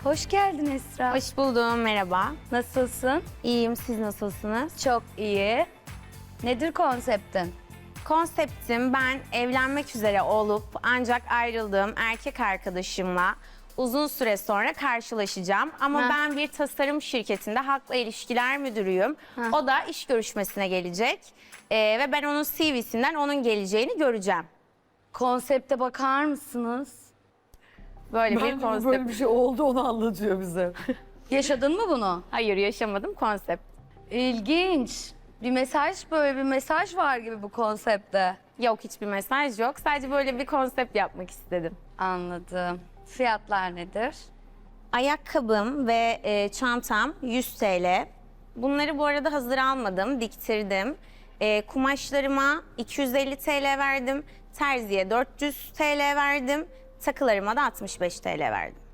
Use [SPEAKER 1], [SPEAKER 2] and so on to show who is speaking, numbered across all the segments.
[SPEAKER 1] Hoş geldin Esra.
[SPEAKER 2] Hoş buldum, merhaba.
[SPEAKER 1] Nasılsın?
[SPEAKER 2] İyiyim, siz nasılsınız?
[SPEAKER 1] Çok iyi. Nedir konseptin?
[SPEAKER 2] Konseptim ben evlenmek üzere olup ancak ayrıldığım erkek arkadaşımla uzun süre sonra karşılaşacağım. Ama
[SPEAKER 1] Ha.
[SPEAKER 2] ben bir tasarım şirketinde halkla ilişkiler müdürüyüm.
[SPEAKER 1] Ha.
[SPEAKER 2] O da iş görüşmesine gelecek. Ve ben onun CV'sinden onun geleceğini göreceğim.
[SPEAKER 1] Konsepte bakar mısınız?
[SPEAKER 2] Böyle bir
[SPEAKER 3] Bence
[SPEAKER 2] konsept.
[SPEAKER 3] böyle bir şey oldu, onu anlatıyor bize.
[SPEAKER 1] Yaşadın mı bunu?
[SPEAKER 2] Hayır, yaşamadım, konsept.
[SPEAKER 1] İlginç. Bir mesaj, böyle bir mesaj var gibi bu konsepte.
[SPEAKER 2] Yok, hiçbir mesaj yok. Sadece böyle bir konsept yapmak istedim.
[SPEAKER 1] Anladım. Fiyatlar nedir?
[SPEAKER 2] Ayakkabım ve çantam 100 TL. Bunları bu arada hazır almadım, diktirdim. Kumaşlarıma 250 TL verdim. Terziye 400 TL verdim. Takılarıma da 65 TL verdim.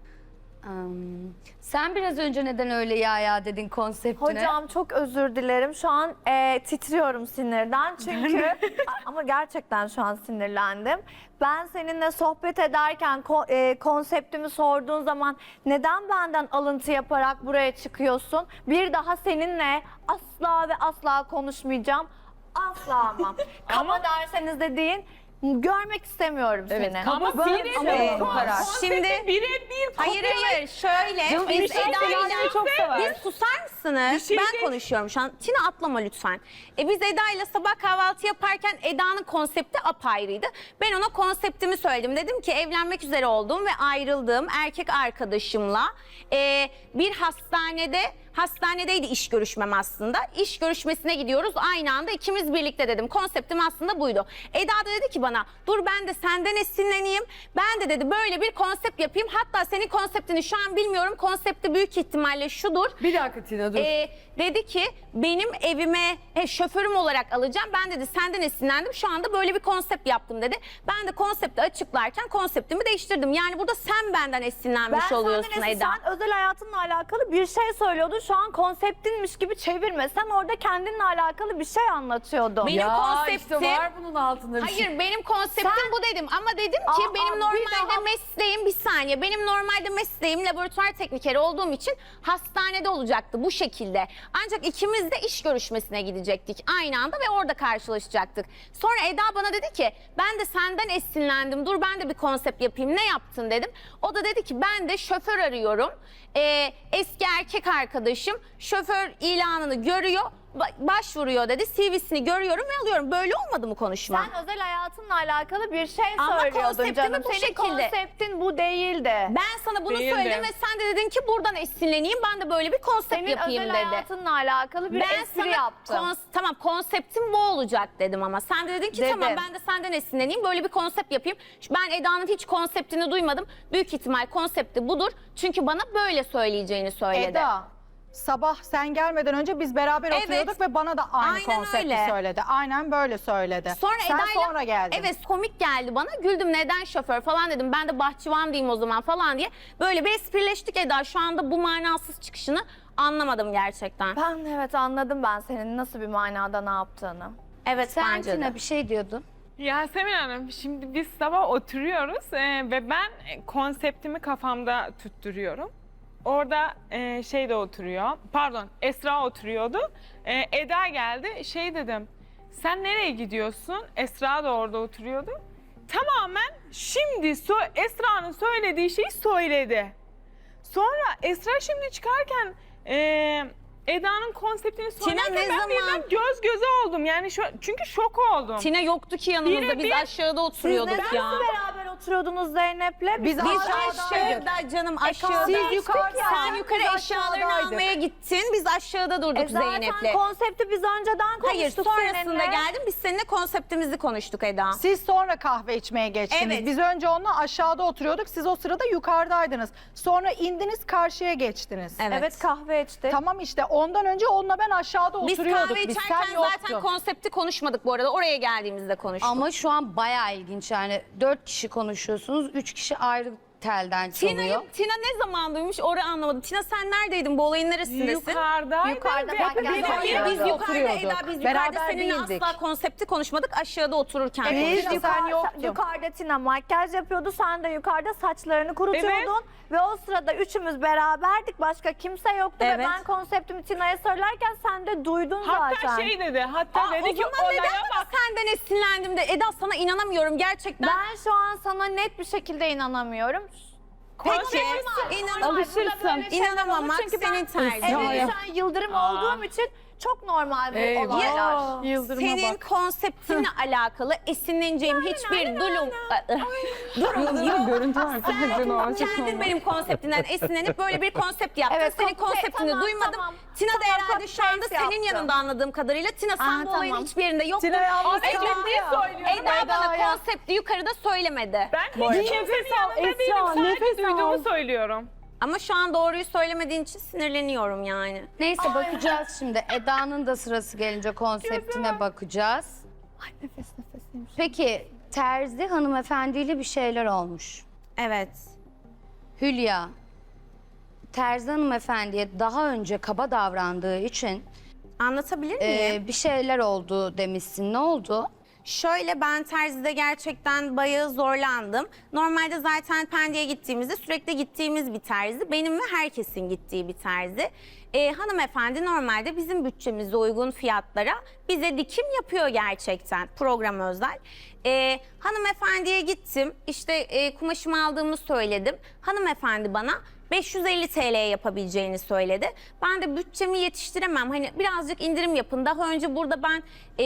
[SPEAKER 1] Sen biraz önce neden öyle ya dedin konseptine?
[SPEAKER 4] Hocam çok özür dilerim. Şu an titriyorum sinirden çünkü ama gerçekten şu an sinirlendim. Ben seninle sohbet ederken konseptimi sorduğun zaman neden benden alıntı yaparak buraya çıkıyorsun? Bir daha seninle asla ve asla konuşmayacağım. Asla ama. Kaba derseniz de deyin. Görmek istemiyorum seni.
[SPEAKER 3] Ama
[SPEAKER 4] Böyle
[SPEAKER 3] ama
[SPEAKER 4] şey
[SPEAKER 3] bu
[SPEAKER 4] var.
[SPEAKER 2] Şimdi
[SPEAKER 3] birebir
[SPEAKER 2] hayır şöyle
[SPEAKER 3] Canım,
[SPEAKER 2] biz
[SPEAKER 3] bir şey
[SPEAKER 2] Eda'yla
[SPEAKER 3] çok sever.
[SPEAKER 2] biz susar mısınız?
[SPEAKER 3] şey
[SPEAKER 2] Ben konuşuyorum şu an. Tina atlama lütfen. Biz Eda'yla sabah kahvaltı yaparken Eda'nın konsepti apayrıydı. Ben ona konseptimi söyledim. Dedim ki evlenmek üzere olduğum ve ayrıldığım erkek arkadaşımla bir hastanedeydi iş görüşmem aslında. İş görüşmesine gidiyoruz aynı anda ikimiz birlikte dedim. Konseptim aslında buydu. Eda da dedi ki bana dur ben de senden esinleneyim. Ben de dedi böyle bir konsept yapayım. Hatta senin konseptini şu an bilmiyorum. Konsepti büyük ihtimalle şudur.
[SPEAKER 3] Bir dakika Tina dur.
[SPEAKER 2] Dedi ki benim evime şoförüm olarak alacağım. Ben dedi senden esinlendim. Şu anda böyle bir konsept yaptım dedi. Ben de konsepti açıklarken konseptimi değiştirdim. Yani burada sen benden esinlenmiş oluyorsun
[SPEAKER 4] senden
[SPEAKER 2] Eda.
[SPEAKER 4] Sen özel hayatınla alakalı bir şey söylüyordun. Şu an konseptinmiş gibi çevirme. Sen orada kendinle alakalı bir şey anlatıyordun.
[SPEAKER 2] Benim konseptim-
[SPEAKER 3] işte var bunun altında bir şey.
[SPEAKER 2] Hayır benim konseptim
[SPEAKER 4] Sen-
[SPEAKER 2] bu dedim ama dedim ki benim
[SPEAKER 4] bir
[SPEAKER 2] normalde
[SPEAKER 4] daha-
[SPEAKER 2] mesleğim bir saniye benim normalde mesleğim laboratuvar teknikeri olduğum için hastanede olacaktı bu şekilde. Ancak ikimiz de iş görüşmesine gidecektik aynı anda ve orada karşılaşacaktık. Sonra Eda bana dedi ki ben de senden esinlendim dur ben de bir konsept yapayım ne yaptın dedim. O da dedi ki ben de şoför arıyorum. Eski erkek arkadaşım şoför ilanını görüyor başvuruyor dedi CV'sini görüyorum ve alıyorum. Böyle olmadı mı konuşma?
[SPEAKER 4] Sen özel hayatınla alakalı bir şey
[SPEAKER 2] Ama
[SPEAKER 4] söylüyordun
[SPEAKER 2] konseptimi
[SPEAKER 4] canım.
[SPEAKER 2] bu
[SPEAKER 4] Senin
[SPEAKER 2] şekilde.
[SPEAKER 4] konseptin bu değildi.
[SPEAKER 2] Ben sana bunu
[SPEAKER 3] Değildi.
[SPEAKER 2] söyledim ve sen de dedin ki buradan esinleneyim ben de böyle bir konsept
[SPEAKER 4] Senin
[SPEAKER 2] yapayım
[SPEAKER 4] özel
[SPEAKER 2] dedi.
[SPEAKER 4] hayatınla alakalı bir
[SPEAKER 2] Ben
[SPEAKER 4] espri
[SPEAKER 2] sana
[SPEAKER 4] yaptım.
[SPEAKER 2] tamam konseptim bu olacak dedim ama sen de dedin ki
[SPEAKER 4] Dedim.
[SPEAKER 2] tamam ben de senden esinleneyim böyle bir konsept yapayım. Ben Eda'nın hiç konseptini duymadım. Büyük ihtimal konsepti budur. Çünkü bana böyle söyleyeceğini söyledi.
[SPEAKER 5] Eda, sabah sen gelmeden önce biz beraber
[SPEAKER 2] Evet.
[SPEAKER 5] oturuyorduk ve bana da aynı
[SPEAKER 2] Aynen
[SPEAKER 5] konsepti
[SPEAKER 2] öyle.
[SPEAKER 5] söyledi. Aynen böyle söyledi.
[SPEAKER 2] Sonra
[SPEAKER 5] sen
[SPEAKER 2] Eda'yla,
[SPEAKER 5] sonra geldin.
[SPEAKER 2] Evet komik geldi bana. Güldüm neden şoför falan dedim. Ben de bahçıvan diyeyim o zaman falan diye. Böyle bir esprileştik Eda. Şu anda bu manasız çıkışını anlamadım gerçekten.
[SPEAKER 4] Ben evet anladım ben senin nasıl bir manada ne yaptığını.
[SPEAKER 2] Evet
[SPEAKER 1] Sen
[SPEAKER 2] bence de.
[SPEAKER 1] Tina bir şey diyordun.
[SPEAKER 6] Yasemin Hanım, şimdi biz sabah oturuyoruz ve ben konseptimi kafamda tutturuyorum. Orada şey de oturuyor, pardon Esra oturuyordu. Eda geldi, şey dedim, sen nereye gidiyorsun? Esra da orada oturuyordu. Tamamen şimdi Esra'nın söylediği şeyi söyledi. Sonra Esra şimdi çıkarken Eda'nın konseptini söylerken
[SPEAKER 2] ne
[SPEAKER 6] ben
[SPEAKER 2] zaman-
[SPEAKER 6] birden göz göze oldum. Yani çünkü şok oldum.
[SPEAKER 2] Tina yoktu ki yanımızda. Biz
[SPEAKER 6] Birebir-
[SPEAKER 2] aşağıda
[SPEAKER 4] Siz
[SPEAKER 2] oturuyorduk
[SPEAKER 4] neden
[SPEAKER 2] ya.
[SPEAKER 4] beraber oturuyordunuz Zeynep'le?
[SPEAKER 5] Biz
[SPEAKER 2] Biz
[SPEAKER 5] aşağıdaydık.
[SPEAKER 2] aşağıda canım aşağıda.
[SPEAKER 5] Siz yukarıda.
[SPEAKER 2] Sen yukarı
[SPEAKER 5] Biz
[SPEAKER 2] eşyalarını
[SPEAKER 5] aşağıdaydık.
[SPEAKER 2] almaya gittin. Biz aşağıda durduk
[SPEAKER 4] Zaten
[SPEAKER 2] Zeynep'le.
[SPEAKER 4] konsepti biz önceden konuştuk
[SPEAKER 2] Hayır sonrasında
[SPEAKER 4] seninle.
[SPEAKER 2] geldim. Biz seninle konseptimizi konuştuk Eda.
[SPEAKER 5] Siz sonra kahve içmeye geçtiniz.
[SPEAKER 2] Evet.
[SPEAKER 5] Biz önce onunla aşağıda oturuyorduk. Siz o sırada yukarıdaydınız. Sonra indiniz karşıya geçtiniz.
[SPEAKER 4] Evet kahve içtik.
[SPEAKER 5] Tamam işte ondan önce onunla ben aşağıda
[SPEAKER 2] Biz
[SPEAKER 5] oturuyorduk.
[SPEAKER 2] kahve içerken
[SPEAKER 5] sen
[SPEAKER 2] zaten
[SPEAKER 5] yoktun.
[SPEAKER 2] konsepti konuşmadık bu arada. Oraya geldiğimizde konuştuk.
[SPEAKER 1] Ama şu an bayağı ilginç yani 4 kişi konuşuyorsunuz, 3 kişi ayrı telden çalıyor.
[SPEAKER 2] Tina ne zaman duymuş orayı anlamadım. Tina sen neredeydin? Bu olayın neresindesin?
[SPEAKER 6] Yukarıdaydı.
[SPEAKER 4] Yukarıda
[SPEAKER 6] ve-
[SPEAKER 4] makyaj
[SPEAKER 6] Hayır,
[SPEAKER 2] Hayır biz yukarıda
[SPEAKER 5] oturuyorduk.
[SPEAKER 2] Eda biz yukarıda
[SPEAKER 5] Beraber
[SPEAKER 2] seninle
[SPEAKER 5] değildik.
[SPEAKER 2] asla konsepti konuşmadık. Aşağıda otururken
[SPEAKER 5] Evet.
[SPEAKER 2] konuştuk.
[SPEAKER 5] Biz sen yoktun.
[SPEAKER 4] Yukarıda Tina makyaj yapıyordu. Sen de yukarıda saçlarını kurutuyordun. Ve o sırada üçümüz beraberdik. Başka kimse yoktu. Ve
[SPEAKER 2] Evet.
[SPEAKER 4] ben konseptimi Tina'ya söylerken sen de duydun
[SPEAKER 6] Hatta
[SPEAKER 4] zaten.
[SPEAKER 6] şey dedi, hatta
[SPEAKER 2] O
[SPEAKER 6] dedi ki
[SPEAKER 2] zaman
[SPEAKER 6] olaya
[SPEAKER 2] neden bana
[SPEAKER 6] bak.
[SPEAKER 2] senden esinlendim de Eda sana inanamıyorum gerçekten.
[SPEAKER 4] Ben şu an sana net bir şekilde inanamıyorum.
[SPEAKER 2] Peki inanamam.
[SPEAKER 3] Alışırsın.
[SPEAKER 2] İnanamam
[SPEAKER 4] Çünkü
[SPEAKER 2] senin
[SPEAKER 4] ben
[SPEAKER 2] tarzın.
[SPEAKER 4] evde şu an yıldırım olduğum için çok normal bu
[SPEAKER 3] Eyvah.
[SPEAKER 4] olaylar.
[SPEAKER 3] Yıldırıma
[SPEAKER 2] Senin
[SPEAKER 3] bak.
[SPEAKER 2] konseptinle alakalı esinleneceğim hiçbir durum yok.
[SPEAKER 3] Görüntü var.
[SPEAKER 2] Kendin benim konseptimden esinlenip böyle bir konsept yaptın.
[SPEAKER 4] Evet,
[SPEAKER 2] Senin konseptini
[SPEAKER 4] tamam,
[SPEAKER 2] duymadım.
[SPEAKER 4] tamam.
[SPEAKER 2] Tina da
[SPEAKER 4] Tamam,
[SPEAKER 2] herhalde şu anda
[SPEAKER 4] copy-paste
[SPEAKER 2] senin
[SPEAKER 4] yaptım.
[SPEAKER 2] yanında anladığım kadarıyla. Tina sen bu olayın
[SPEAKER 4] tamam.
[SPEAKER 2] hiçbir yerinde yoktun.
[SPEAKER 3] Tina yalnız
[SPEAKER 2] Eda,
[SPEAKER 3] kaldı ya.
[SPEAKER 2] Eda bana konsepti yukarıda söylemedi.
[SPEAKER 6] Ben hiç kimsenin yanında değilim. Sadece duyduğumu söylüyorum.
[SPEAKER 2] Ama şu an doğruyu söylemediğin için sinirleniyorum yani.
[SPEAKER 1] Neyse bakacağız şimdi. Eda'nın da sırası gelince konseptine bakacağız. Peki Terzi hanımefendiyle bir şeyler olmuş.
[SPEAKER 2] Evet.
[SPEAKER 1] Hülya, Terzi hanımefendiye daha önce kaba davrandığı için
[SPEAKER 2] Anlatabilir miyim?
[SPEAKER 1] bir şeyler oldu demişsin. Ne oldu?
[SPEAKER 2] Şöyle ben terzide gerçekten bayağı zorlandım. Normalde zaten Pendik'e gittiğimizde sürekli gittiğimiz bir terzi. Benim ve herkesin gittiği bir terzi. Hanımefendi normalde bizim bütçemize uygun fiyatlara bize dikim yapıyor gerçekten program özel. Hanımefendiye gittim işte kumaşımı aldığımı söyledim. Hanımefendi bana 550 TL'ye yapabileceğini söyledi. Ben de bütçemi yetiştiremem. Hani birazcık indirim yapın. Daha önce burada ben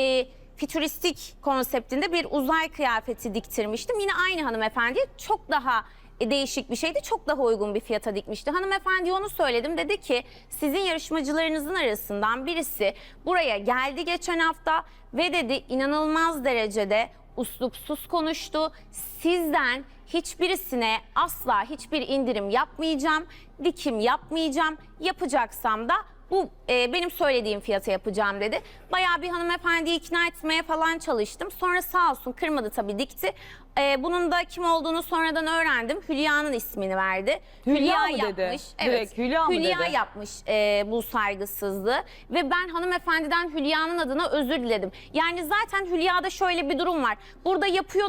[SPEAKER 2] fütüristik konseptinde bir uzay kıyafeti diktirmiştim. Yine aynı hanımefendi çok daha değişik bir şeydi. Çok daha uygun bir fiyata dikmişti. Hanımefendiye onu söyledim. Dedi ki sizin yarışmacılarınızın arasından birisi buraya geldi geçen hafta ve dedi inanılmaz derecede uslupsuz konuştu. Sizden hiçbirisine asla hiçbir indirim yapmayacağım, dikim yapmayacağım. Yapacaksam da bu benim söylediğim fiyata yapacağım dedi. Bayağı bir hanımefendiyi ikna etmeye falan çalıştım. Sonra sağ olsun kırmadı tabii dikti. Bunun da kim olduğunu sonradan öğrendim. Hülya'nın ismini verdi.
[SPEAKER 3] Hülya mı
[SPEAKER 2] yapmış.
[SPEAKER 3] dedi?
[SPEAKER 2] Evet.
[SPEAKER 3] Direkt Hülya mı
[SPEAKER 2] Hülya
[SPEAKER 3] dedi?
[SPEAKER 2] yapmış bu saygısızlığı ve ben hanımefendiden Hülya'nın adına özür diledim. Yani zaten Hülya'da şöyle bir durum var. Burada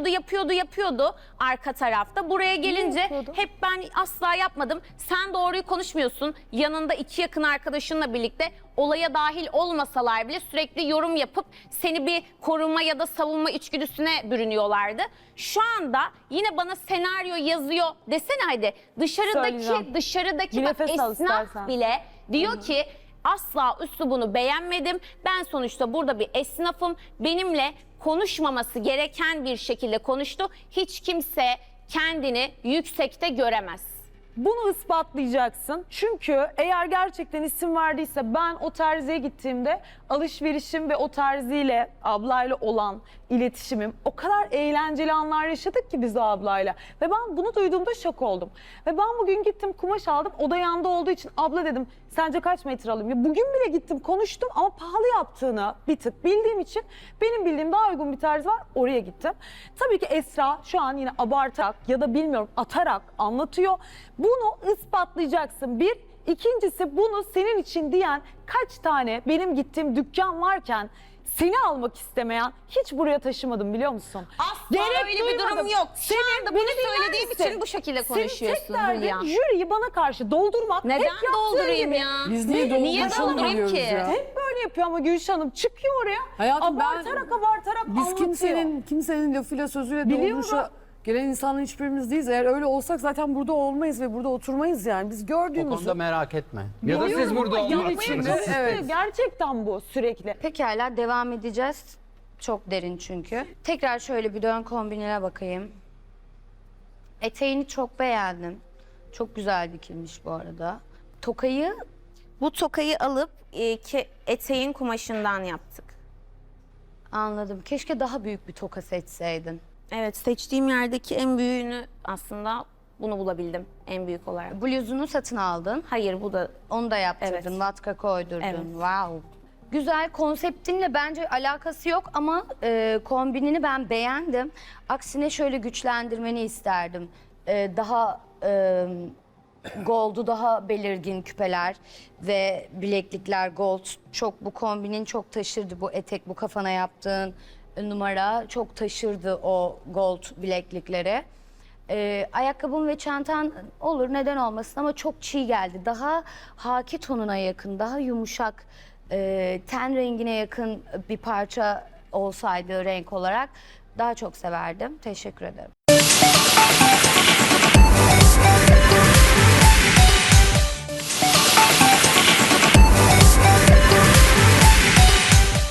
[SPEAKER 2] yapıyordu arka tarafta. Buraya gelince hep ben asla yapmadım. Sen doğruyu konuşmuyorsun. Yanında iki yakın arkadaşınla birlikte olaya dahil olmasalar bile sürekli yorum yapıp seni bir koruma ya da savunma içgüdüsüne bürünüyorlardı. Şu anda yine bana senaryo yazıyor desene hadi.
[SPEAKER 3] Söyleyeceğim.
[SPEAKER 2] Dışarıdaki
[SPEAKER 3] Bir
[SPEAKER 2] bak
[SPEAKER 3] nefes al
[SPEAKER 2] esnaf
[SPEAKER 3] istersen.
[SPEAKER 2] bile diyor ki asla üslubunu beğenmedim. Ben sonuçta burada bir esnafım. Benimle konuşmaması gereken bir şekilde konuştu. Hiç kimse kendini yüksekte göremez.
[SPEAKER 3] Bunu ispatlayacaksın. Çünkü eğer gerçekten isim verdiyse ben o terziye gittiğimde alışverişim ve o terziyle ablayla olan iletişimim o kadar eğlenceli anlar yaşadık ki biz o ablayla. Ve ben bunu duyduğumda şok oldum. Ve ben bugün gittim kumaş aldım. O da yanında olduğu için abla dedim sence kaç metre alayım? Ya bugün bile gittim konuştum ama pahalı yaptığını bir tık bildiğim için benim bildiğim daha uygun bir terzi var oraya gittim. Tabii ki Esra şu an yine abartarak ya da bilmiyorum atarak anlatıyor. Bunu ispatlayacaksın. Bir. İkincisi bunu senin için diyen kaç tane benim gittiğim dükkan varken seni almak istemeyen hiç buraya taşımadım biliyor musun?
[SPEAKER 2] Asla öyle bir durum yok. Şu anda bunu söylediğim için bu şekilde konuşuyorsun
[SPEAKER 3] Senin tek
[SPEAKER 2] Hülya.
[SPEAKER 3] derdin jüriyi bana karşı doldurmak.
[SPEAKER 2] Neden
[SPEAKER 3] hep yaptığı
[SPEAKER 2] doldurayım
[SPEAKER 3] gibi.
[SPEAKER 2] ya?
[SPEAKER 7] Biz niye doldurmuş
[SPEAKER 2] doldurayım
[SPEAKER 7] oluyoruz
[SPEAKER 2] ki?
[SPEAKER 7] ya?
[SPEAKER 3] Hep böyle yapıyor ama Gülşah Hanım çıkıyor oraya
[SPEAKER 7] Hayatım
[SPEAKER 3] abartarak
[SPEAKER 7] biz
[SPEAKER 3] anlatıyor.
[SPEAKER 7] kimsenin lafıyla sözüyle
[SPEAKER 3] Biliyorum.
[SPEAKER 7] dolmuşa gelen insanların hiçbirimiz değiliz. Eğer öyle olsak zaten burada olmayız ve burada oturmayız yani. Biz
[SPEAKER 8] O
[SPEAKER 7] gördüğümüzü...
[SPEAKER 8] konuda merak etme. Ya da siz
[SPEAKER 3] Biliyorum
[SPEAKER 8] burada
[SPEAKER 3] ama
[SPEAKER 8] olmak
[SPEAKER 3] yapmaya
[SPEAKER 8] için.
[SPEAKER 3] çalıştı.
[SPEAKER 7] Evet.
[SPEAKER 3] Gerçekten bu sürekli.
[SPEAKER 1] Pekala devam edeceğiz. Çok derin çünkü. Tekrar şöyle bir dön kombinine bakayım. Eteğini çok beğendim. Çok güzel dikilmiş bu arada. Tokayı
[SPEAKER 2] Bu tokayı alıp eteğin kumaşından yaptık.
[SPEAKER 1] anladım. Keşke daha büyük bir toka seçseydin.
[SPEAKER 2] Evet seçtiğim yerdeki en büyüğünü aslında bunu bulabildim en büyük olarak.
[SPEAKER 1] Bluzunu satın aldın.
[SPEAKER 2] Hayır bu da
[SPEAKER 1] Onu da yaptırdın.
[SPEAKER 2] Evet.
[SPEAKER 1] Vatka koydurdun.
[SPEAKER 2] Evet.
[SPEAKER 1] Wow. Güzel, konseptinle bence alakası yok ama kombinini ben beğendim. Aksine şöyle güçlendirmeni isterdim. Daha gold'u daha belirgin küpeler ve bileklikler gold. Çok bu kombinin çok taşırdı, bu etek, bu kafana yaptığın numara çok taşırdı o gold bileklikleri. Ayakkabın ve çantan olur, neden olmasın, ama çok çiğ geldi. Daha haki tonuna yakın, daha yumuşak, ten rengine yakın bir parça olsaydı renk olarak daha çok severdim. Teşekkür ederim.